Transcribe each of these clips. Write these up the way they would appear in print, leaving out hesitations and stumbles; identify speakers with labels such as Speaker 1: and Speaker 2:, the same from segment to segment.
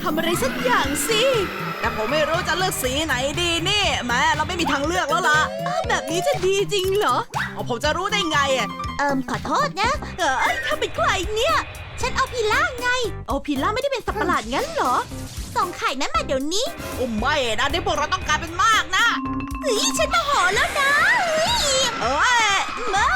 Speaker 1: ทำอะไรสักอย่างสิแต่ผมไม่รู้จะเลือกสีไหนดีนี่แม่เราไม่มีทางเลือกแล้วล่ะแบบนี้จะดีจริงเหรอผมจะรู้ได้ไงอ่ะ
Speaker 2: ขอโทษนะ
Speaker 1: เธอเป็นใครเนี่ย
Speaker 2: ฉันเอาพิล่าไง
Speaker 1: พิล่าไม่ได้เป็นสัตว์ประหลาดงั้นเหรอ
Speaker 2: ส่งไข่นั้นมาเดี๋ยวนี้
Speaker 1: ไม่นะนี่พวกเราต้องการเป็นมากนะ
Speaker 2: ฉันโมโหแล้วนะ
Speaker 1: ไม่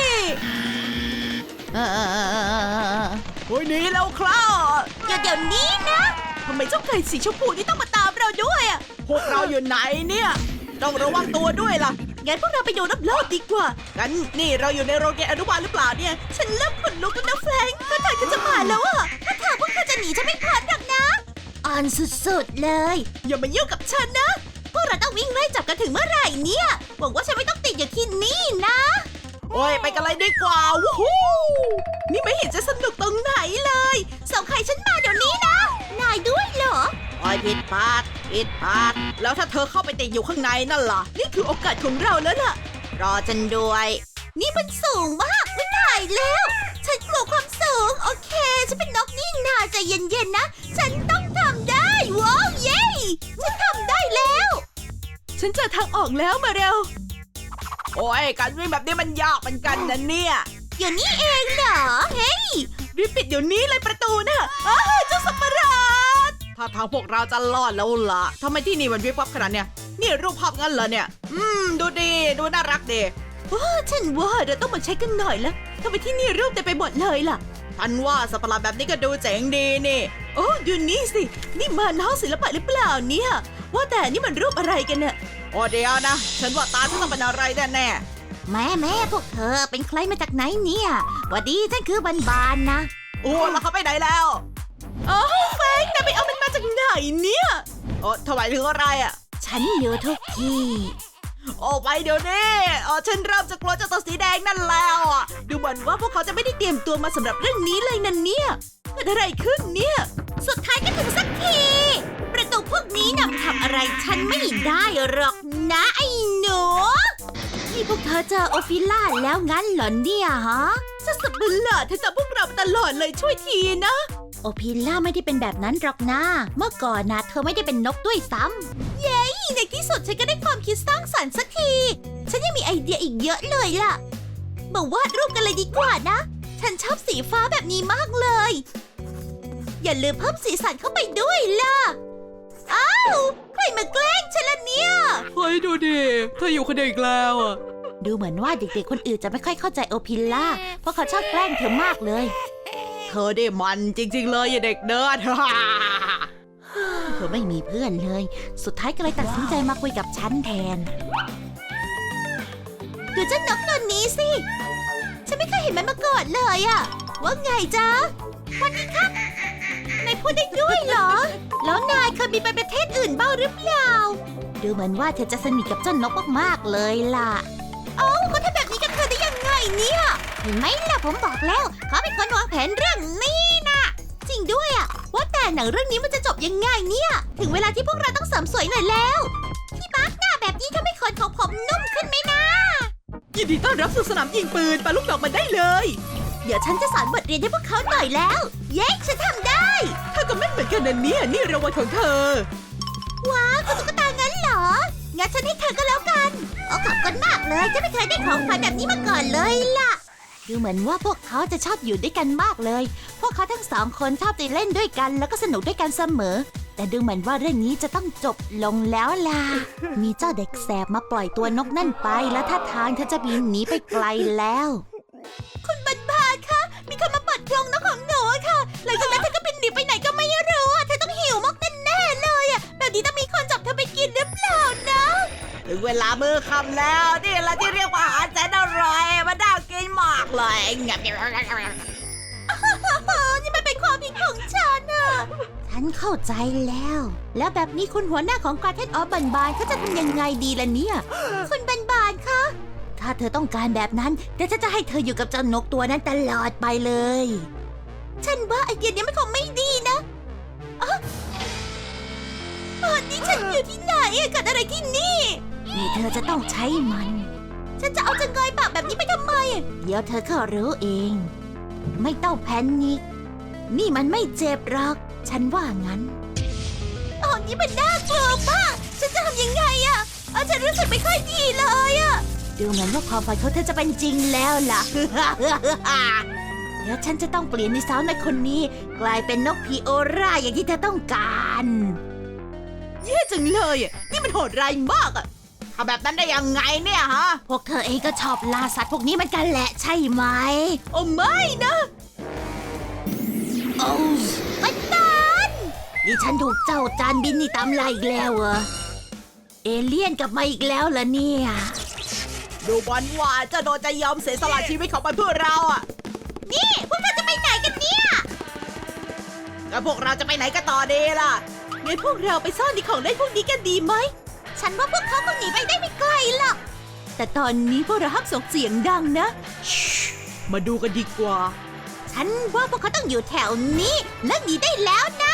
Speaker 1: หนีแล้วครับ
Speaker 2: เดี๋ยวนี้นะ
Speaker 1: ทำไมเจ้าไก่สีชมพูนี่ต้องมาตามเราด้วยอ่ะพวกเราอยู่ไหนเนี่ยต้องระวังตัวด้วยล่ะ
Speaker 2: งั้นพวกเราไปดูรอบๆดีกว่า
Speaker 1: กันนี่เราอยู่ในโรงเรียนอนุบาลหรือเปล่าเนี่ย
Speaker 2: ฉันเริ่มขนลุกแล้วนะแฟรงค์ถ้าเธอจะมาแล้วอ่ะถ้าพวกเธอจะหนีฉันไม่พ้นหรอกนะอ่อนสุดๆเลย
Speaker 1: อย่ามายุ่งกับฉันนะ
Speaker 2: พวกเราต้องวิ่งไล่จับกันถึงเมื่อไหร่เนี่ยหวังว่าฉันไม่ต้องติดอยู่ที่นี่นะ
Speaker 1: โอ้ยไปกันเลยดีกว่าวู้ฮู้นี่ไม่เห็นจะสนุกตรงไหนเลย
Speaker 2: ส่งไข่ฉันมาเดี๋ยวนี้นะนายด้วยเหรอ
Speaker 1: ผิดพลาดแล้วถ้าเธอเข้าไปติดอยู่ข้างในนั่นล่ะนี่คือโอกาสของเราแล้วล่ะ
Speaker 2: รอฉันด้วยนี่มันสูงมากไม่ถ่ายแล้วฉันกลัวความสูงโอเคฉันเป็นนกนี่นาใจเย็นๆนะฉันต้องทำได้ว้าวเย้ฉันทำได้แล้ว
Speaker 1: ฉันเจอทางออกแล้วมาเร็วโอ้ยการวิ่งแบบนี้มันยากเหมือนกันนะเนี่ย
Speaker 2: อยู่นี่เองเหรอเฮ้ย
Speaker 1: รีบปิดเดี๋ยวนี้เลยประตูนะเจ้าสัตว์ประหลาดถ้าทางพวกเราจะรอดแล้วล่ะทำไมที่นี่มันวิบวับขนาดเนี้ยนี่รูปภาพงั้นเหรอเนี่ยดูดีดูน่ารักดี
Speaker 2: ฉันว่าเราต้องมาเช็คกันหน่อยละทำไมที่นี่รูปเต็มไปหมดเลยล่ะ
Speaker 1: ฉันว่าสัตว์ประหลาดแบบนี้ก็ดูเจ๋งดีนี่ดูนี่สินี่มันห้องศิลปะหรือเปล่าเนี่ยว่าแต่นี่มันรูปอะไรกันเนี่ยเดี๋ยวนะฉันว่าตาฉันต้องเป็นอะไรแน่
Speaker 2: แม่พวกเธอเป็นใครมาจากไหนเนี่ยวัสดีฉันคือบานนะ
Speaker 1: แล้วเขาไปไหนแล้วแฟงแต่ไปเอามันมาจากไหนเนี่ยถวายถึงอะไรอ่ะ
Speaker 2: ฉันอยู่ทุกที่
Speaker 1: ไปเดี๋ยวนี้ฉันเริ่มจะกลัวเจ้าตัวสีแดงนั่นแล้วดูเหมือนว่าพวกเขาจะไม่ได้เตรียมตัวมาสำหรับเรื่องนี้เลยนั่นเนี่ยเกิดอะไรขึ้นเนี่ย
Speaker 2: สุดท้ายก็ถึงสักทีประตูพวกนี้นำทำอะไรฉันไม่ได้หรอกนะไอ้หนูนี่พวกเธอเจอโอฟิล่าแล้วงั้นเหรอเนี่ยฮะ
Speaker 1: สัตว์ประหลาดเธอจำพวกเราตลอดเลยช่วยทีนะ
Speaker 2: โอฟิล่าไม่ได้เป็นแบบนั้นหรอกนะเมื่อก่อนนะเธอไม่ได้เป็นนกด้วยซ้ำเย้ในที่สุดฉันก็ได้ความคิดสร้างสรรค์สักทีฉันยังมีไอเดียอีกเยอะเลยล่ะมาวาดรูปกันเลยดีกว่านะฉันชอบสีฟ้าแบบนี้มากเลยอย่าลืมเพิ่มสีสันเข้าไปด้วยล่ะใครมาแกล้งฉันล่ะเนี่ย
Speaker 1: เฮ้ยดูดิเธออยู่คนเดียวอีกแล้ว
Speaker 2: ดูเหมือนว่าเด็กๆคนอื่นจะไม่ค่อยเข้าใจโอพิล่าเพราะเขาชอบแกล้งเธอมากเลย
Speaker 1: เธอได้มันจริงๆเลยอย่าเด็กเนิร์ด
Speaker 2: เธอไม่มีเพื่อนเลยสุดท้ายก็เลยตัดสินใจมาคุยกับฉันแทนดูเจ้านกตัวนี้สิฉันไม่เคยเห็นมันมาก่อนเลยว่าไงจ๊ะวันนี้ครับนายพูดได้ด้วยเหรอแล้วนายเคยบินไปประเทศอื่นบ้างหรือเปล่าดูเหมือนว่าเธอจะสนิทกับเจ้านกมากๆเลยล่ะก็ทำแบบนี้กับเธอได้ยังไงเนี่ยเห็นไหมล่ะผมบอกแล้วเขาเป็นคนวางแผนเรื่องนี้นะจริงด้วยว่าแต่หนังเรื่องนี้มันจะจบยังไงเนี่ยถึงเวลาที่พวกเราต้องเสริมสวยหน่อยแล้วพี่มาร์คหน้าแบบนี้ทำให้ขนของผมนุ่มขึ้นไหมนะ
Speaker 1: ยินดีต้อนรับสู่สนามยิงปืนปาลูกดอกมาได้เลย
Speaker 2: เดี๋ยวฉันจะสอนบทเรียนให้พวกเขาหน่อยแล้วเย้ฉันทำได้
Speaker 1: เธอก็ไม่เหมือนกันนะเนี่ยนี่รางวัลของเธอ
Speaker 2: ว้าวคุณตุ๊กตางั้นเหรองั้นฉันให้เธอก็แล้วกันขอบคุณมากเลยฉันไม่เคยได้ของขวัญแบบนี้มาก่อนเลยล่ะดูเหมือนว่าพวกเขาจะชอบอยู่ด้วยกันมากเลยพวกเขาทั้งสองคนชอบไปเล่นด้วยกันแล้วก็สนุกด้วยกันเสมอแต่ดูเหมือนว่าเรื่องนี้จะต้องจบลงแล้วล่ะมีเจ้าเด็กแสบมาปล่อยตัวนกนั่นไปแล้วท่าทางเธอจะบินหนีไปไกลแล้วคุณบานคะมีคนมาเปิดกรงนกของหนูค่ะหลังจากนั้นเธอก็บินหนีไปไหนก็ไม่รู้เธอต้องหิวมากแน่ๆเลยแบบนี้ต้องมีคนจับเธอไปกินหรือเปล่านะ
Speaker 1: ถึงเวลามื้อค่ำแล้วนี่แหละที่เรียกว่าอาหารแสนอร่อยมันน่ากินมากเลย
Speaker 2: นี่มันเป็นความผิดของฉันฉันเข้าใจแล้วแบบนี้คุณหัวหน้าของการเทศบานเขาจะทำยังไงดีล่ะเนี่ยคุณบานคะถ้าเธอต้องการแบบนั้นเดี๋ยวฉันจะให้เธออยู่กับเจ้านกตัวนั้นตลอดไปเลยฉันว่าไอเดียนี้มันคงไม่ดีนะนี่ฉันอยู่ที่ไหนเกิดอะไรที่นี่เธอจะต้องใช้มันฉันจะเอาจะเงยปากแบบนี้ไปทำไมเดี๋ยวเธอก็รู้เองไม่ต้องแพนิคนี่มันไม่เจ็บหรอกฉันว่างั้นนี้มันน่ากลัวมากฉันจะทำยังไงอะฉันรู้สึกไม่ค่อยดีเลยอะดูเหมือนว่าความฝันของเธอจะเป็นจริงแล้วล่ะ เดี๋ยวฉันจะต้องเปลี่ยนนิสัยในคนนี้กลายเป็นนกพีโอราอย่างที่เธอต้องการ
Speaker 1: แย่จังเลยอ่ะนี่มันโหดร้ายมากอ่ะทำแบบนั้นได้ยังไงเนี่ยฮะ
Speaker 2: พวกเธอเองก็ชอบล่าสัตว์พวกนี้เหมือนกันแหละใช่ไหม
Speaker 1: โอ้ไม่นะ
Speaker 2: โอ้ปันตันนี่ฉันถูกเจ้าจานบินนี่ตามไล่อีกแล้วเหรอเอเลี่ยนกลับมาอีกแล้วเหรอเนี่ย
Speaker 1: ดูบอลว่าเจะโดนจะยอมเสียสละชีวิตของมันเพื่อเราอ่ะ
Speaker 2: นี่พวกเราจะไปไหนกันเนี่ย
Speaker 1: แล้วพวกเราจะไปไหนกันต่อดีล่ะงั้นพวกเราไปซ่อนในของเล่นพวกนี้กันดีไหม
Speaker 2: ฉันว่าพวกเขาคงหนีไปได้ไม่ไกลหรอก
Speaker 1: แต่ตอนนี้พวกเราห้ามส่งเสียงดังนะมาดูกันดีกว่า
Speaker 2: ฉันว่าพวกเขาต้องอยู่แถวนี้เลิกหนีได้แล้วนะ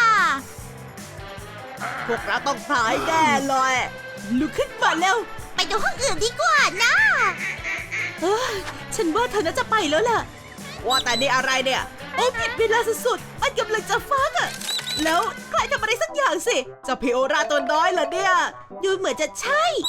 Speaker 1: พวกเราต้องตายแน่เลยลุกขึ้นมาเร็ว
Speaker 2: ไปดูห้องอื่นดีกว่านะ
Speaker 1: เอ้ยฉันว่าเธอน่าจะไปแล้วล่ะว่าแต่นี่อะไรเนี่ยโอ้ผิดเวลาสุดๆมันกำลังจะฟักอ่ะแล้วใครทำอะไรสักอย่างสิเจะพิโอราตัวน้อยเหรอเนี่ยดูเหมือนจะใช่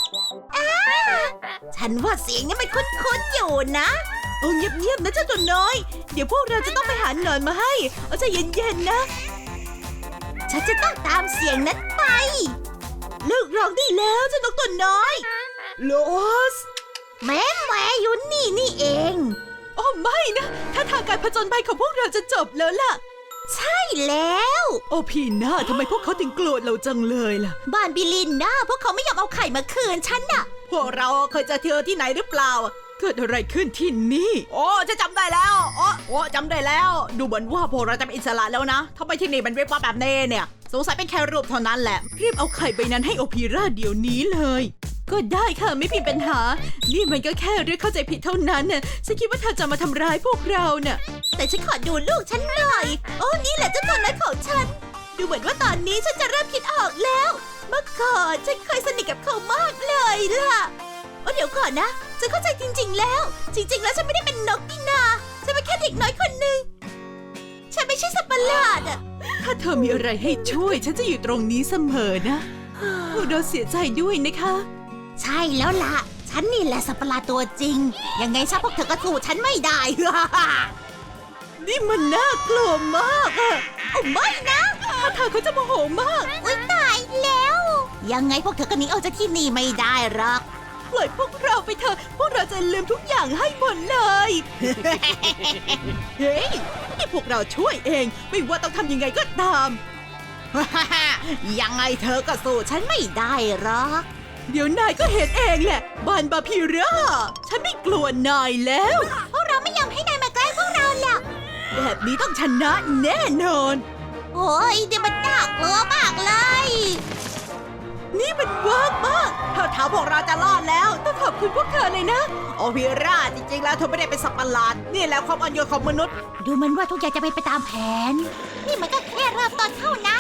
Speaker 2: ฉันว่าเสียงนี้มันคุ้นๆอยู่นะ
Speaker 1: โอ้เงียบๆนะเจ้าตัวน้อย เดี๋ยวพวกเราจะต้องไปหาหนอนมาให้ เอาใจเย็นๆนะ
Speaker 2: ฉันจะต้องตามเสียงนั้นไป
Speaker 1: เลิกร้องได้แล้วเจ้านกตัวน้อยโลส
Speaker 2: แม่อยู่นี่เอง
Speaker 1: โอ้ไม่นะถ้าทางการผจญภัยของพวกเราจะจบแล้วล่ะ
Speaker 2: ใช่แล้ว
Speaker 1: โอ้พี่น่าทำไมพวกเขาถึงโกรธเราจังเลยล่ะ
Speaker 2: บ้านบิลินนะพวกเขาไม่ยอมเอาไข่มาคืนฉันน่ะ
Speaker 1: พวกเราเคยเจอเธอที่ไหนหรือเปล่า เกิดอะไรขึ้นที่นี่ โอ้จะจำได้แล้วโอ้จำได้แล้ว ดูเหมือนว่าพวกเราจะเป็นอิสระแล้วนะทำไมที่นี่มันเรียกว่าแบบนี้เนี่ยสงสัยเป็นแค่รูปเท่านั้นแหละรีบเอาไข่ใบนั้นให้โอพีราเดี๋ยวนี้เลย ก็ได้ค่ะไม่มีปัญหา นี่มันก็แค่เรื่องเข้าใจผิดเท่านั้นน่ะฉันคิดว่าเธอจะมาทำร้ายพวกเราน่ะ
Speaker 2: แต่ฉันขอดูลูกฉันหน่อย โอ้นี่แหละเจ้าตัวน้อยของฉัน ดูเหมือนว่าตอนนี้ฉันจะเริ่มคิดออกแล้ว เมื่อก่อนฉันเคยสนิทกับเขามากเลยล่ะโอ้เดี๋ยวก่อนนะฉันเข้าใจจริงๆแล้ว จริงๆแล้วฉันไม่ได้เป็นนกนี่นาฉันเป็นแค่เด็กน้อยคนหนึ่งฉันไม่ใช่สัตว์ประหลาดอะ
Speaker 1: ถ้าเธอมีอะไรให้ช่วย ฉันจะอยู่ตรงนี้เสมอนะพวกเราเสียใจด้วยนะคะ
Speaker 2: ใช่แล้วล่ะ ฉันนี่แหละสัตว์ประหลาดตัวจริง ยังไงซะพวกเธอก็สู้ฉันไม่ได้
Speaker 1: นี่มันน่ากลัวมากอะ
Speaker 2: โอ้ไม่นะ
Speaker 1: ถ้าเธอเขาจะโมโหมาก
Speaker 2: อุ๊ยตายแล้ว ยังไงพวกเธอก็หนีออกจากที่นี่ไม่ได้หรอก
Speaker 1: ปล่อยพวกเราไปเถอะ พวกเราจะลืมทุกอย่างให้หมดเลย เฮ้ยนี่พวกเราช่วยเอง ไม่ว่าต้องทำยังไงก็ตาม
Speaker 2: ยังไงเธอก็สู้ฉันไม่ได้หรอก
Speaker 1: เดี๋ยวนายก็เห็นเองแหละบานบาพีร่าฉันไม่กลัวนายแล้ว
Speaker 2: พวกเราไม่ยอมให้นายมาใกล้พวกเราหรอก
Speaker 1: แบบนี้ต้องชนะแน่นอน
Speaker 2: โอ้ยเดี๋ยวมันน่ากลัวมากเลย
Speaker 1: นี่มันเวิร์กมากเท่าเท้าพวกเราจะรอดแล้วต้องขอบคุณพวกเธอเลยนะ โอพีราจริงๆแล้วเธอไม่ได้เป็นสัตว์ประหลาด นี่แหละความอ่อนโยนของมนุษย์
Speaker 2: ดูเหมันว่าทุกอย่างจะเป็นไปตามแผน นี่มันก็แค่เริ่มต้นเท่านั้น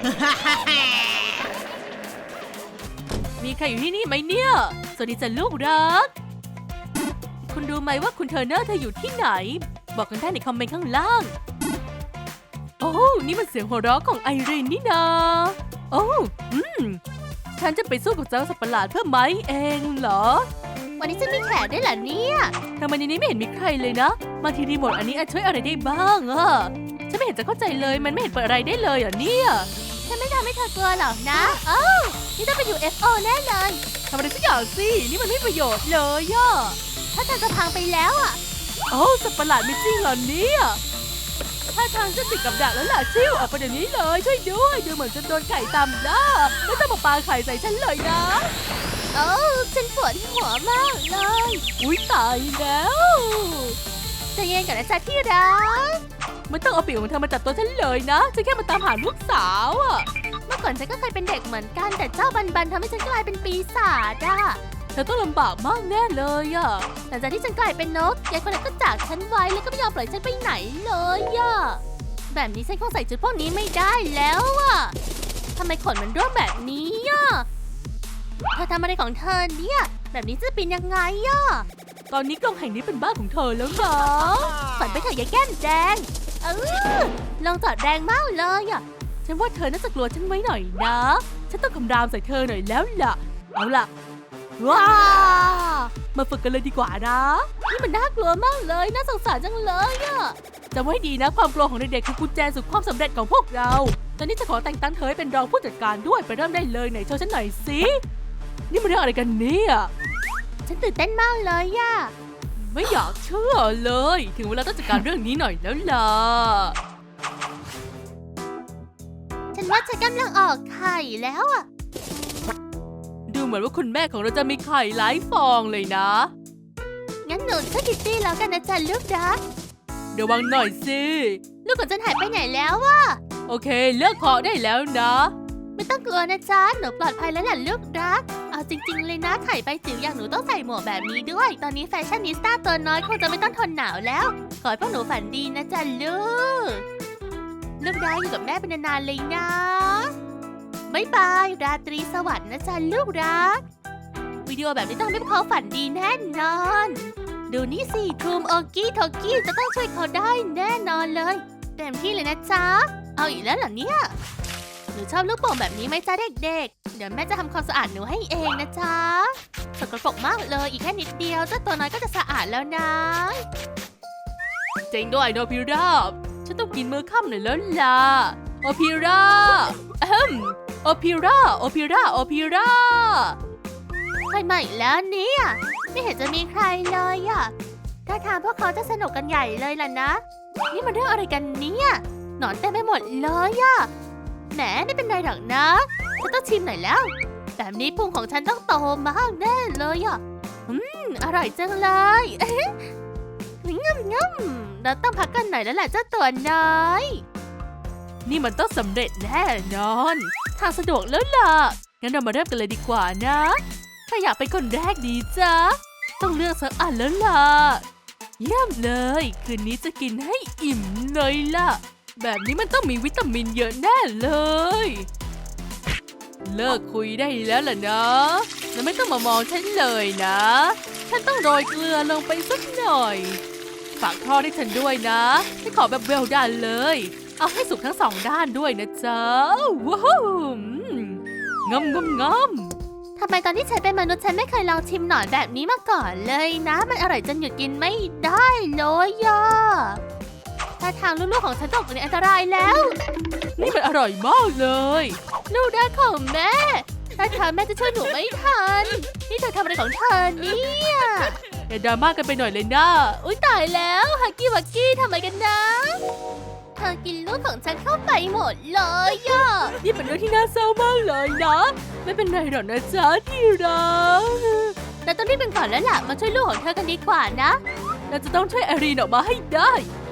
Speaker 3: มีใครอยู่ที่นี่ไหมเนี่ย สวัสดีจ้ะลูกรัก คุณรู้ไหมว่าคุณเทอร์เนอร์เธออยู่ที่ไหน บอกกันได้ในคอมเมนต์ข้างล่าง โอ้นี่มันเสียงหัวเราะของไอรีนนี่นาโอ้ฉันจะไปสู้กับเจ้าสัตว์ประหลาดเพื่อไม้เองเหรอ
Speaker 2: วันนี้จะมีแขกได้วยเหรอเนี่ย
Speaker 3: ทำไมในนี้ไม่เห็นมีใครเลยนะบางทีรีโมทอันนี้อาจช่วยอะไรได้บ้างอะฉันไม่เห็นจะเข้าใจเลยมันไม่เห็นเปิดอะไรได้เลยอ่ะเนี่ย
Speaker 2: ฉันไม่ทำให้เธอกลัวหรอกนะนี่ต้องเป็น UFO แน่เลย
Speaker 3: ทำอะไรสักอย่างสินี่มันไม่ประโยชน์เลยอะ
Speaker 2: ถ้าเธอจะพังไปแล้วอ่ะ
Speaker 3: โอ้สัตว์ประหลาดไม่จริงเหรอเนี่ยถ้าทางจะติดกับดักแล้วล่ะชิวออกไปเดี๋ยวนี้เลยช่วยด้วยดูเหมือนจะโดนไข่ตำหน้าไม่ต้องมาปาไข่ใส่ฉันเลยนะ
Speaker 2: โอ้ฉันปวดหัวมากเลย
Speaker 3: อุ๊ยตายแล้ว
Speaker 2: ใจะเย็นก่อนนะจ๊ะที่รัก
Speaker 3: ไม่ต้องเอาปีกของเธอมาจับตัวฉันเลยนะฉันแค่มาตามหาลูกสาวอะ
Speaker 2: เมื่อก่อนฉันก็เคยเป็นเด็กเหมือนกันแต่เจ้าบันทำให้ฉันกลายเป็นปีศาจอ่ะ
Speaker 3: เธอต้องลำบากมากแน่เลยอะ
Speaker 2: หลังจากที่ฉันกลายเป็นนกยายคนนั้นก็จากฉันไว้แล้วก็ไม่ยอมปล่อยฉันไปไหนเลยอ่ะแบบนี้ฉันคงใส่ชุดพวกนี้ไม่ได้แล้วอ่ะทำไมขนมันร่วงแบบนี้อ่ะเธอทำอะไรของเธอเนี่ยแบบนี้จะเป็นยังไงอ่ะ
Speaker 3: ตอนนี้กล่องแห่งนี้เป็นบ้านของเธอแล้วนะ
Speaker 2: ฝันไปเถอะยายแก้มแดงลองจอดแรงมากเลยอ่ะ
Speaker 3: ฉันว่าเธอน่าจะกลัวฉันไว้หน่อยนะ ฉันต้องคำรามใส่เธอหน่อยแล้วล่ะ เอาล่ะ ว้ามาฝึกกันเลยดีกว่านะ นี่มันน่ากลัวมากเลย น่าสงสารจังเลยอะจำไว้ดีนะ ความกลัวของเด็กๆคือกุญแจสู่ความสำเร็จของพวกเรา ตอนนี้จะขอแต่งตั้งเธอให้เป็นรองผู้จัดการด้วย ไปเริ่มได้เลยไหนโชว์ฉันหน่อยสิ นี่มันเรื่องอะไรกันเนี่ย
Speaker 2: ฉันตื่นเต้นมากเลยอะ
Speaker 3: ไม่อยากเชื่อเลย ถึงเวลาต้องจัดการเรื่องนี้หน่อยแล้วล่ะ
Speaker 2: ฉันว่าฉันกำลังออกไข่แล้วอะ
Speaker 3: ดูเหมือนว่าคุณแม่ของเราจะมีไข่หลายฟองเลยนะ
Speaker 2: งั้นหนูช่วยคิตตี้แล้วกันนะจ๊ะลูกรัก
Speaker 3: ระวังหน่อยสิ
Speaker 2: ลูกของฉันหายไปไหนแล้วอะ
Speaker 3: โอเคเลิกเคาะได้แล้วนะ
Speaker 2: ไม่ต้องกลัวนะจ๊ะ หนูปลอดภัยแล้วแหละลูกรัก เอาจริงๆเลยนะไข่ไปจิ๋วอย่างหนูต้องใส่หมวกแบบนี้ด้วย ตอนนี้แฟชั่นนิสต้าตัวน้อยคงจะไม่ต้องทนหนาวแล้ว ขอให้พวกหนูฝันดีนะจ๊ะลูก ลูกรักอยู่กับแม่เป็นนานๆเลยนะบ๊ายบาย ราตรีสวัสดิ์นะจ๊ะลูกรัก วิดีโอแบบนี้ต้องทำให้พวกเขาฝันดีแน่นอน ดูนี่สิทูมโอกี้โทกี้จะต้องช่วยเขาได้แน่นอนเลยเต็มที่เลยนะจ๊ะ เอาอีกแล้วเหรอเนี่ย หนูชอบลูกโป่งแบบนี้ไหมจ๊ะเด็กๆ เดี๋ยวแม่จะทำความสะอาดหนูให้เองนะจ๊ะสกปรกมากเลยอีกแค่นิดเดียวเจ้าตัวน้อยก็จะสะอาดแล้วนะ
Speaker 3: เจ๋งด้วยโนพิราบฉันต้องกินมื้อค่ำหน่อยแล้วล่ะ โอพิราโอพิราโอพิราโอพิรา
Speaker 2: ใครใหม่แล้วเนี่ยไม่เห็นจะมีใครเลยอะถ้าทางพวกเขาจะสนุกกันใหญ่เลยล่ะนะ นี่มันเรื่องอะไรกันเนี่ยหนอนเต็มไปหมดเลยอะแหมไม่เป็นไรหรอกนะฉันต้องชิมหน่อยแล้วแบบนี้พุงของฉันต้องโตมากแน่เลยอะอร่อยจังเลยง่ำเราต้องพักกันหน่อยแล้วแหละเจ้าตัวน้อย
Speaker 3: นี่มันต้องสำเร็จแน่นอนทางสะดวกแล้วล่ะ งั้นเรามาเริ่มกันเลยดีกว่านะใครอยากเป็นคนแรกดีจ๊ะ ต้องเลือกสักอันแล้วล่ะ เยี่ยมเลย คืนนี้จะกินให้อิ่มเลยล่ะ แบบนี้มันต้องมีวิตามินเยอะแน่เลย เลิกคุยได้แล้วล่ะนะแล้วไม่ต้องมามองฉันเลยนะ ฉันต้องโรยเกลือลงไปสักหน่อย ฝากทอดให้ฉันด้วยนะฉันขอแบบเวลดันเลย เอาให้สุกทั้งสองด้านด้วยนะจ๊ะ ว้าวงำ
Speaker 2: ทำไมตอนที่ฉันเป็นมนุษย์ฉันไม่เคยลองชิมหนอนแบบนี้มาก่อนเลยนะ มันอร่อยจนหยุดกินไม่ได้เลยอ่ะถ้าทางลูกๆของฉันตกอยู่ในอันตรายแล้ว
Speaker 3: นี่มันอร่อยมากเลย
Speaker 2: ลูกรักของแม่ถ้าทางแม่จะช่วยหนูไม่ทัน นี่เธอทำอะไรของเธอเนี่ย
Speaker 3: อย่าดราม่ากันไปหน่อยเลยนะ
Speaker 2: อุ๊ยตายแล้วฮักกี้วักกี้ทำอะไรกันนะ เธอกินลูกของฉันเข้าไปหมดเลยอ่ะ
Speaker 3: นี่เป็นเรื่องที่น่าเศร้ามากเลยนะ ไม่เป็นไรหรอกนะจ๊ะที่รัก
Speaker 2: เราต้องรีบเป็นก่อนแล้วล่ะมาช่วยลูกของเธอกันดีกว่านะ
Speaker 3: เราจะต้องช่วยแอรีนออกมาให้ได้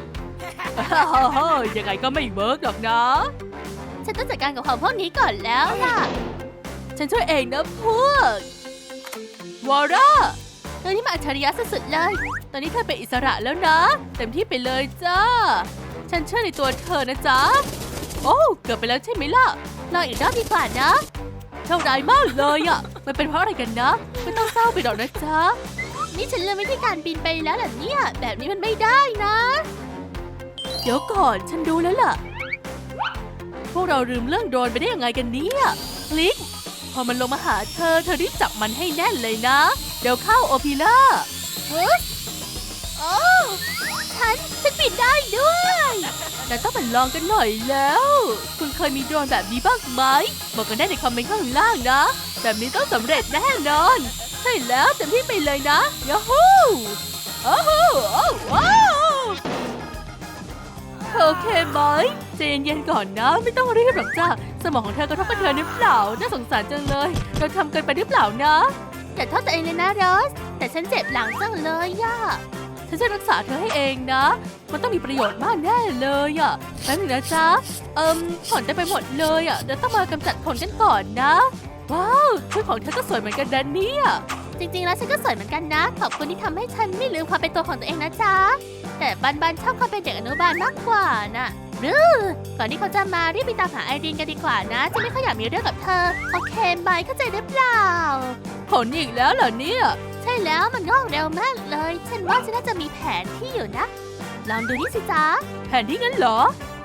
Speaker 3: ยังไงก็ไม่เวิร์กหรอกนะ
Speaker 2: ฉันต้องจัดการกับของพวกนี้ก่อนแล้วล่ะ
Speaker 3: ฉันช่วยเองนะพวก วอร่า
Speaker 2: เธอนี่มาอัจฉริยะสุดๆเลย
Speaker 3: ตอนนี้เธอเป็นอิสระแล้วนะ เต็มที่ไปเลยจ้า ฉันเชื่อในตัวเธอนะจ๊ะ โอ้เกือบไปแล้วใช่ไหมล่ะ
Speaker 2: ลองอีกรอบดีกว่านะ
Speaker 3: โชคร้ายมากเลยอ่ะ มันเป็นเพราะอะไรกันนะ ไม่ต้องเศร้าไปหรอกนะจ๊ะ
Speaker 2: นี่ฉันลืมวิธีการบินไปแล้วเหรอเนี่ย แบบนี้มันไม่ได้นะ
Speaker 3: เดี๋ยวก่อนฉันดูแล้วล่ะ พวกเราลืมเรื่องโดรนไปได้ยังไงกันเนี่ยคลิก พอมันลงมาหาเธอรีบจับมันให้แน่นเลยนะ เดี๋ยวเข้าโอพิล่า
Speaker 2: โอ้ฉันบินได้ด้วย
Speaker 3: แต่ต้องมาลองกันหน่อยแล้ว คุณเคยมีโดรนแบบนี้บ้างไหมบอกกันได้ในคอมเมนต์ข้างล่างนะ แบบนี้ต้องสำเร็จแน่นอน ใช่แล้วเต็มที่ไปเลยนะยาฮูโอ้โหว้าวโอเคไหมใจเย็นๆก่อนนะ ไม่ต้องรีบหรอกจ้าสมองของเธอกระทบกระเทือนหรือเปล่า น่าสงสารจังเลย เราทำเกินไปหรือเปล่านะ
Speaker 2: แต่โทษตัวเองเลยนะโรส แต่ฉันเจ็บหลังจังเลยย่า
Speaker 3: ฉันจะรักษาเธอให้เองนะ มันต้องมีประโยชน์มากแน่เลยอ่ะแป๊บนึงนะจ๊ะขนเต็มไปหมดเลยอ่ะเดี๋ยวต้องมากำจัดขนกันก่อนนะ ว้าวชุดของเธอก็สวยเหมือนกันนะเนี่ย
Speaker 2: จริงๆแล้วฉันก็สวยเหมือนกันนะ ขอบคุณที่ทำให้ฉันไม่ลืมความเป็นตัวของตัวเองนะจ๊ะ แต่บันชอบความเป็นเด็กอนุบาลมากกว่าน่ะก่อนที่เขาจะมารีบไปตามหาไอรีนกันดีกว่านะฉันไม่ค่อยอยากมีเรื่องกับเธอ โอเคไหมเข้าใจหรือเปล่า
Speaker 3: ขนอีกแล้วเหรอเนี่ย
Speaker 2: ใช่แล้วมันงอกเร็วมากเลย ฉันว่าฉันน่าจะมีแผนที่อยู่นะ ลองดูนี่สิจ๊ะ
Speaker 3: แผนที่งั้นเหรอ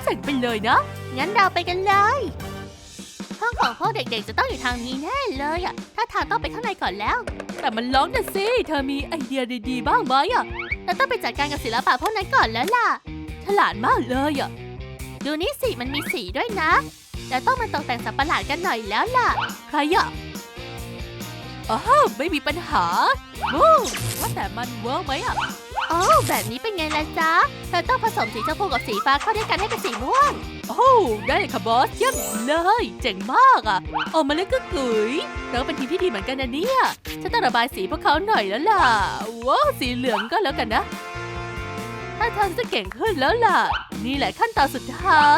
Speaker 3: เจ๋งไปเลยนะ
Speaker 2: งั้นเราไปกันเลย ห้องของพวกเด็กๆจะต้องอยู่ทางนี้แน่เลยอะถ้าทางต้องไปข้างในก่อนแล้ว
Speaker 3: แต่มันร้องนะสิ เธอมีไอเดียดีๆบ้างไหมอะ
Speaker 2: เราต้องไปจัดการกับศิลปะพวกนั้นก่อนแล้วล่ะ
Speaker 3: ฉลาดมากเลยอะ
Speaker 2: ดูนี่สิมันมีสีด้วยนะเราต้องมาตกแต่งสัตว์ประหลาดกันหน่อยแล้วล่ะ
Speaker 3: ใครอะอ้าวไม่มีปัญหาวู้ว่าแต่มันเวิร์กไหมอะ
Speaker 2: โอ้แบบนี้เป็นไงล่ะจ๊ะเราต้องผสมสีชมพูกับสีฟ้าเข้าด้วยกันให้เป็นสีม่วง
Speaker 3: โอ้ได้เลยค่ะบอสเยี่ยมเลย เจ๋งมากอะออกมาเล่นก็กลุยเราเป็นทีมที่ดีเหมือนกันนะเนี่ยฉันต้องระบายสีพวกเขาหน่อยแล้วล่ะว้าวสีเหลืองก็แล้วกันนะถ้าทางจะเก่งขึ้นแล้วล่ะ นี่แหละขั้นตอนสุดท้าย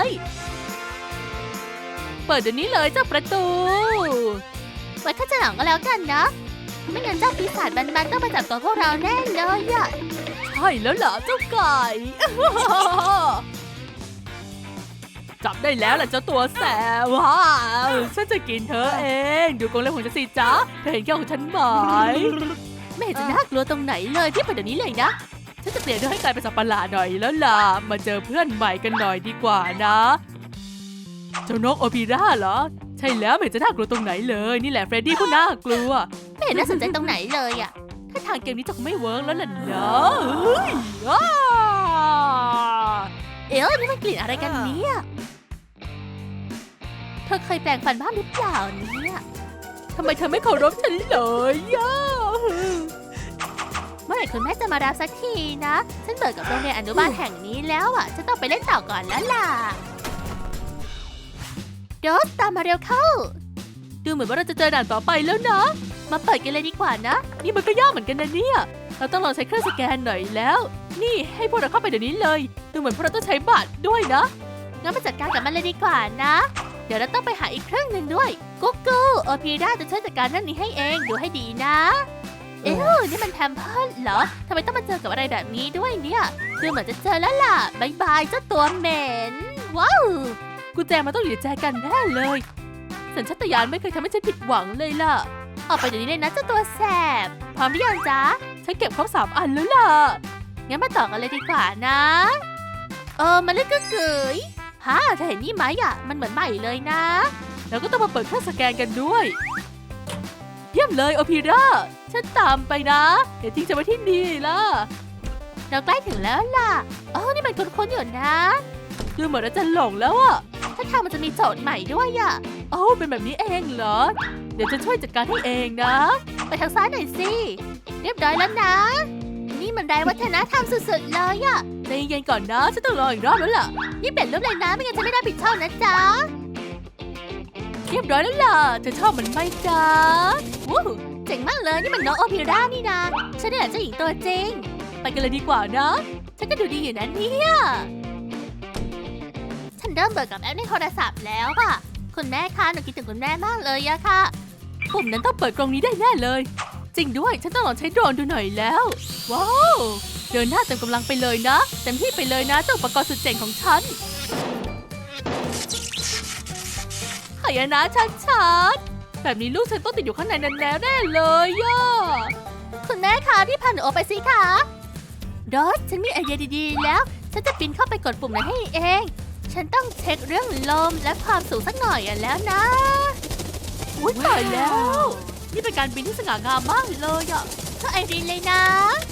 Speaker 3: เปิดเดี๋ยวนี้เลยเจ้าประตู
Speaker 2: ไว้ข้าจะหลังก็แล้วกันนะ ไม่งั้นเจ้าปีศาจบันๆต้องมาจับตัวพวกเราแน่เลยอะ
Speaker 3: ใช่แล้วล่ะเจ้าไก่ จับได้แล้วล่ะเจ้าตัวแสบว้าวฉันจะกินเธอเองดูกรงเล็บของฉันสิจ๊ะเธอเห็นแก้วของฉันไหม
Speaker 2: ไม่เห็นจะน่ากลัวตรงไหนเลยที่เปิดเดี๋ยวนี้เลยนะ
Speaker 3: ฉันจะเปลี่ยนเธอให้กลายเป็นสัตว์ประหลาดหน่อยแล้วล่ะมาเจอเพื่อนใหม่กันหน่อยดีกว่านะเจ้านกโอปิราเหรอใช่แล้วไม่เห็นจะน่ากลัวตรงไหนเลยนี่แหละเฟรดดี้ผู้น่ากลัว
Speaker 2: ไม่เห็นน่าสนใจตรงไหนเลยอะ
Speaker 3: ถ้าทางเกมนี้จะไม่เวิร์กแล้วล่ะนะเฮ้ยอ้า
Speaker 2: เอ๊ะนี่มันกลิ่นอะไรกันเนี่ยเธอเคยแปรงฟันบ้างหรือเปล่าเนี่ย
Speaker 3: ทำไมเธอไม่เคารพฉันเลยย่า
Speaker 2: เมื่อไหร่คุณแม่จะมารับสักทีนะ ฉันเบื่อกับโรงเรียนอนุบาลแห่งนี้แล้วอ่ะฉันต้องไปเล่นต่อก่อนแล้วล่ะโดสตามมาเร็วเข้า
Speaker 3: ดูเหมือนว่าเราจะเจอด่านต่อไปแล้วนะ
Speaker 2: มาเปิดกันเลยดีกว่านะ
Speaker 3: นี่มันก็ยากเหมือนกันนะเนี่ยเราต้องลองใช้เครื่องสแกนหน่อยแล้ว นี่ให้พวกเราเข้าไปเดี๋ยวนี้เลยดูเหมือนพวกเราต้องใช้บัตรด้วยนะ
Speaker 2: งั้นมาจัดการกับมันเลยดีกว่านะ เดี๋ยวเราต้องไปหาอีกเครื่องหนึ่งด้วยกุ๊กกูโอพีราจะช่วยจัดการเรื่องนี้ให้เองดูให้ดีนะ เอ๊ะนี่มันแพมเพิร์สเหรอทำไมต้องมาเจอกับอะไรแบบนี้ด้วยเนี่ยดูเหมือนจะเจอแล้วล่ะบายบายเจ้าตัวเหม็นว้าว
Speaker 3: กุญแจมันต้องอยู่ในแจกันแน่เลยสัญชาตญาณไม่เคยทำให้ฉันผิดหวังเลยล่ะ
Speaker 2: ออกไปเดี๋ยวนี้เลยนะเจ้าตัวแสบพร้อมหรือยังจ๊ะ
Speaker 3: ฉันเก็บครบ3 อันแล้วล่ะ
Speaker 2: งั้นมาต่อกันเลยดีกว่านะ มันเล่นกึกกึ๋ยฮะเธอเห็นนี่ไหมอ่ะ มันเหมือนใหม่เลยนะ
Speaker 3: แล้วก็ต้องมาเปิดเครื่องสแกนกันด้วยเยี่ยมเลยโอพีราฉันตามไปนะอย่าทิ้งฉันไว้ที่นี่ล่ะ
Speaker 2: เราใกล้ถึงแล้วล่ะนี่มันคุ้นๆอยู่นะ
Speaker 3: ดูเหมือนเราจะหลงแล้วอะ
Speaker 2: ถ้าทางมันจะมีโจทย์ใหม่ด้วยอ่ะ
Speaker 3: เป็นแบบนี้เองเหรอ เดี๋ยวฉันช่วยจัดการให้เองนะ
Speaker 2: ไปทางซ้ายหน่อยสิ เรียบร้อยแล้วนะ นี่มันได้วัฒนธรรมสุดๆเลยอ่ะ
Speaker 3: ใจเย็นๆก่อนนะฉันต้องรออีกรอบแล้วล่ะ
Speaker 2: นี่เปลี่ยนรูปเลยนะ ไม่งั้นจะไม่ได้ผิดชอบนะจ๊ะ
Speaker 3: เรียบร้อยแล้วล่ะเธอชอบมันไหมจ๊ะ
Speaker 2: วู้เจ๋งมากเลย นี่มันน้องโอพิรานี่นะฉันนี่แหละเจ้าหญิงตัวจริง
Speaker 3: ไปกันเลยดีกว่านะ
Speaker 2: ฉันก็ดูดีอยู่นะเนี่ยฉันเริ่มเบื่อกับแอปในโทรศัพท์แล้วค่ะ คุณแม่คะหนูคิดถึงคุณแม่มากเลยอะค่ะ
Speaker 3: ปุ่มนั้นต้องเปิดกรงนี้ได้แน่เลย จริงด้วยฉันต้องลองใช้โดรนดูหน่อยแล้ว ว้าวเดินหน้าเต็มกำลังไปเลยนะเต็มที่ไปเลยนะเจ้าอุปกรณ์สุดเจ๋งของฉันหายนะชัดๆแบบนี้ลูกฉันต้องติดอยู่ข้างในนั้นแล้วแน่เลยย่า
Speaker 2: คุณแม่คะที่พาหนูออกไปสิคะดอสฉันมีไอเดียดีๆแล้ว ฉันจะปีนเข้าไปกดปุ่มนั้นให้เอง ฉันต้องเช็คเรื่องลมและความสูงสักหน่อยแล้วนะ
Speaker 3: อุ้ยตายแล้ว นี่เป็นการบินที่สง่างามมากเลยอ่ะ
Speaker 2: ก็ไอรีนเลยนะ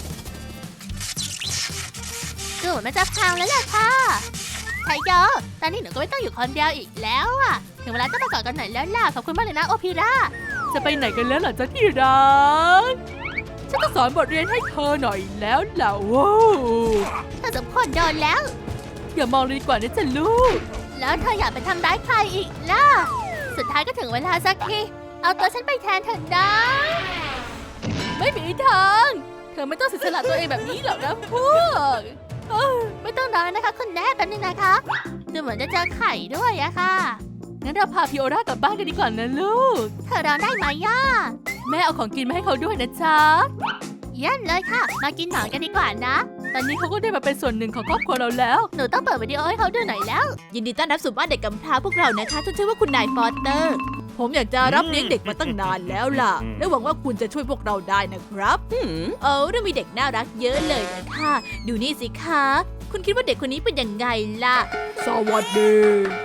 Speaker 2: ดูเหมือนมันจะพังแล้วแหละค่ะไทโยตอนนี้หนูก็ไม่ต้องอยู่คนเดียวอีกแล้วอะถึงเวลาต้องมากอดกันหน่อยแล้วล่ะขอบคุณมากเลยนะโอพิรา
Speaker 3: จะไปไหนกันแล้วล่ะจ๊ะที่รักฉันต้องสอนบทเรียนให้เธอหน่อยแล้วล่ะว้าว
Speaker 2: เธอสมควรโดนแล้ว
Speaker 3: อย่ามองเลยดีกว่านะจ๊ะลูก
Speaker 2: แล้วเธออยากไปทำร้ายใครอีกล่ะ สุดท้ายก็ถึงเวลาสักที เอาตัวฉันไปแทนเถอะนะ
Speaker 3: ไม่มีทาง เธอไม่ต้องเสียสละตัวเองแบบนี้หรอกนะพวก
Speaker 2: ไม่ต้องรอนะคะคุณแม่แป๊บนึงนะคะดูเหมือนจะเจอไข่ด้วยอะค่ะ
Speaker 3: งั้นเราพาพิโอรากลับบ้านกันดีกว่านะลูก
Speaker 2: เธอรอได้ไหมย่า
Speaker 3: แม่เอาของกินมาให้เขาด้วยนะจ๊ะ
Speaker 2: เยี่ยมเลยค่ะ มากินหนอนกันดีกว่านะ
Speaker 3: ตอนนี้เขาก็ได้มาเป็นส่วนหนึ่งของครอบครัวเราแล้ว
Speaker 2: หนูต้องเปิดวิดีโอให้เขาดูหน่อยแล้ว
Speaker 1: ยินดีต้อนรับสู่บ้านเด็กกำพร้าพวกเรานะคะฉันชื่อว่าคุณนายฟอสเตอร์ ผมอยากจะรับเลี้ยงเด็กมาตั้งนานแล้วล่ะ และหวังว่าคุณจะช่วยพวกเราได้นะครับเรื่องมีเด็กน่ารักเยอะเลยนะคะดูนี่สิคะ
Speaker 3: คุณคิดว่าเด็กคนนี้เป็นยังไงล่ะ
Speaker 1: สวัสดี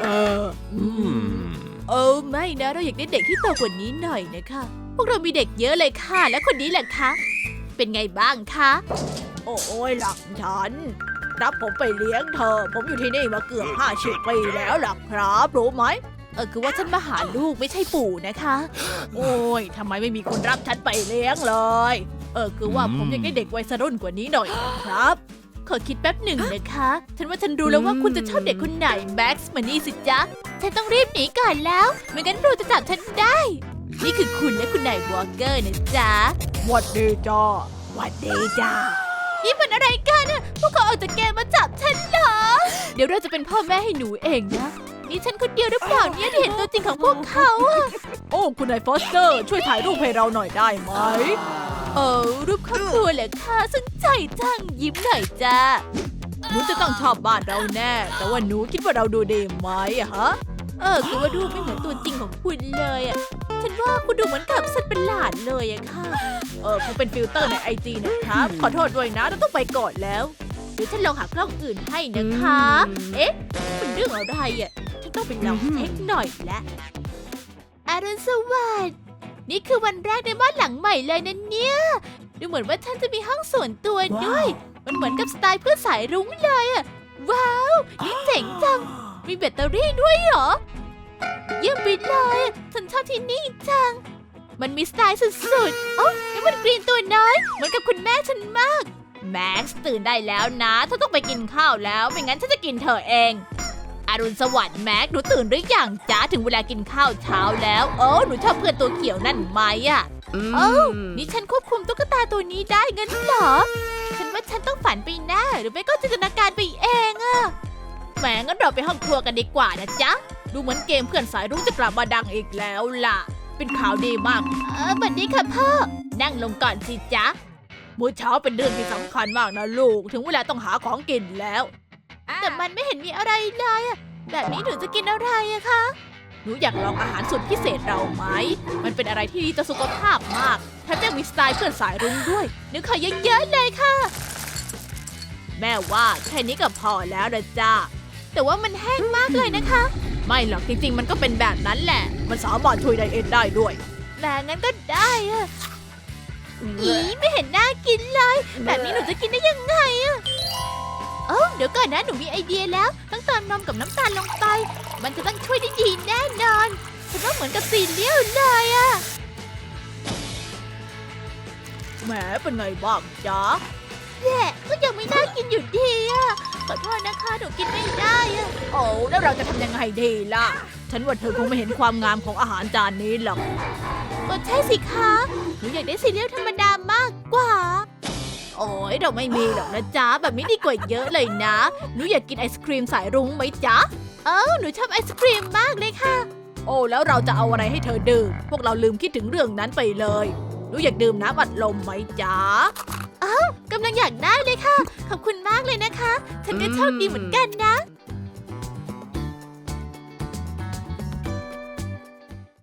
Speaker 3: ไม่นะเราอยากได้เด็กที่โตกว่านี้หน่อยนะคะพวกเรามีเด็กเยอะเลยค่ะและคนนี้แหละคะเป็นไงบ้างคะ
Speaker 1: โอ้ยหลักฉันรับผมไปเลี้ยงเธอ ผมอยู่ที่นี่มาเกือบ50 ปีแล้วหลักครับรู้ไหม
Speaker 3: คือว่าฉันมาหาลูกไม่ใช่ปู่นะคะ
Speaker 1: โอ้ยทำไมไม่มีคนรับฉันไปเลี้ยงเลย
Speaker 3: คือว่าผมอยากได้เด็กวัยรุ่นกว่านี้หน่อยครับ ขอคิดแป๊บหนึ่งนะคะ ฉันว่าฉันรู้แล้วว่าคุณจะชอบเด็กคนไหนแม็กซ์มานี่สิจ๊ะฉันต้องรีบหนีก่อนแล้วไม่งั้นรูจะจับฉันได้ นี่คือคุณและคุณนายวอลเกอร์นะจ๊ะ
Speaker 1: หวัดดีจ้าหวัดดีจ้า
Speaker 3: นี่มันอะไรกันอะพวกเขาออกจากเกมมาจับฉันเหรอ เดี๋ยวเราจะเป็นพ่อแม่ให้หนูเองนะ นี่ฉันคนเดียวหรือเปล่าเนี่ยที่เห็นตัวจริงของพวกเขาอะ
Speaker 1: โอ้คุณนายฟอสเตอร์ช่วยถ่ายรูปให้เราหน่อยได้ไหม
Speaker 3: รูปครอบครัวเหรอคะสนใจจังยิ้มหน่อยจ้า
Speaker 1: หนูจะต้องชอบบ้านเราแน่ แต่ว่าหนูคิดว่าเราดูดีไหมอะฮะ
Speaker 3: คือว่ารูปไม่เหมือนตัวจริงของคุณเลยอะฉันว่าคุณดูเหมือนกับสัตว์ประหลาดเลยอะค่ะ
Speaker 1: คุณเป็นฟิลเตอร์ในIG นะครับ ขอโทษด้วยนะเราต้องไปก่อนแล้ว
Speaker 3: เดี๋ยวฉันลองหากล้องอื่นให้นะคะ เอ๊ะเป็นเรื่องอะไรอะฉันต้องไปลองเช็คหน่อยละอรุณสวัสดิ์นี่คือวันแรกในบ้านหลังใหม่เลยนะเนี่ย ดูเหมือนว่าฉันจะมีห้องส่วนตัวด้วย มันเหมือนกับสไตล์เพื่อนสายรุ้งเลยอะว้าว นี่เจ๋งจัง มีแบตเตอรี่ด้วยเหรอ เยี่ยมไปเลยฉันชอบที่นี่จัง มันมีสไตล์สุดๆ โอ้นี่มันกรีนตัวน้อย เหมือนกับคุณแม่ฉันมาก แม็กซ์ตื่นได้แล้วนะเธอต้องไปกินข้าวแล้ว ไม่งั้นฉันจะกินเธอเอง อรุณสวัสดิ์แม็กซ์หนูตื่นหรือยังจ๊ะถึงเวลากินข้าวเช้าแล้ว หนูชอบเพื่อนตัวเขียวนั่นไหมอะนี่ฉันควบคุมตุ๊กตาตัวนี้ได้งั้นเหรอ ฉันว่าฉันต้องฝันไปแน่หรือไม่ก็จินตนาการไปเองอะแหมงั้นเราไปห้องครัวกันดีกว่านะจ๊ะ ดูเหมือนเกมเพื่อนสายรุ้งจะกลับมาดังอีกแล้วล่ะ เป็นข่าวดีมากบัดนี้ค่ะพ่อ นั่งลงก่อนสิจ๊ะ
Speaker 1: มื้อเช้าเป็นเรื่องที่สำคัญมากนะลูก ถึงเวลาต้องหาของกินแล้ว
Speaker 3: แต่มันไม่เห็นมีอะไรเลยอะแบบนี้หนูจะกินอะไรอะคะ
Speaker 1: หนูอยากลองอาหารสุดพิเศษเราไหม มันเป็นอะไรที่ดีต่อสุขภาพมากแถมยังมีสไตล์เพื่อนสายรุ้งด้วย
Speaker 3: นึกขอเยอะๆเลยค่ะ
Speaker 1: แม่ว่าแค่นี้ก็พอแล้วนะจ้า
Speaker 3: แต่ว่ามันแห้งมากเลยนะคะ
Speaker 1: ไม่หรอกจริงๆ มันก็เป็นแบบนั้นแหละ มันสามารถช่วยไดเอทได้ด้วย
Speaker 3: แต่งั้นก็ได้อะอีไม่เห็นน่ากินเลย แบบนี้หนูจะกินได้ยังไงอะเดี๋ยวก่อนนะหนูมีไอเดียแล้วต้องเติมนมกับน้ำตาลลงไป มันจะต้องช่วยได้ดีแน่นอนฉันว่าเหมือนกับซีเรียลเลยอะ
Speaker 1: แหมเป็นไงบ้างจ๊ะ
Speaker 3: แย่ก็ยังไม่น่ากินอยู่ดีอะขอโทษนะคะหนูกินไม่ได้อะ
Speaker 1: โอ้แล้วเราจะทำยังไงดีล่ะ ฉันว่าเธอคงไม่เห็นความงามของอาหารจานนี้หรอก
Speaker 3: ก็ใช่สิคะหนูอยากได้ซีเรียลธรรมดามากกว่า
Speaker 1: โอ้ยเราไม่มีหรอกนะจ๊ะ แบบนี้ดีกว่าเยอะเลยนะ หนูอยากกินไอศครีมสายรุ้งไหมจ๊ะ
Speaker 3: หนูชอบไอศครีมมากเลยค่ะ
Speaker 1: โอ้แล้วเราจะเอาอะไรให้เธอดื่ม พวกเราลืมคิดถึงเรื่องนั้นไปเลย หนูอยากดื่มน้ำอัดลมไหมจ๊ะ
Speaker 3: กำลังอยากได้เลยค่ะ ขอบคุณมากเลยนะคะ ฉันก็โชคดีเหมือนกันนะ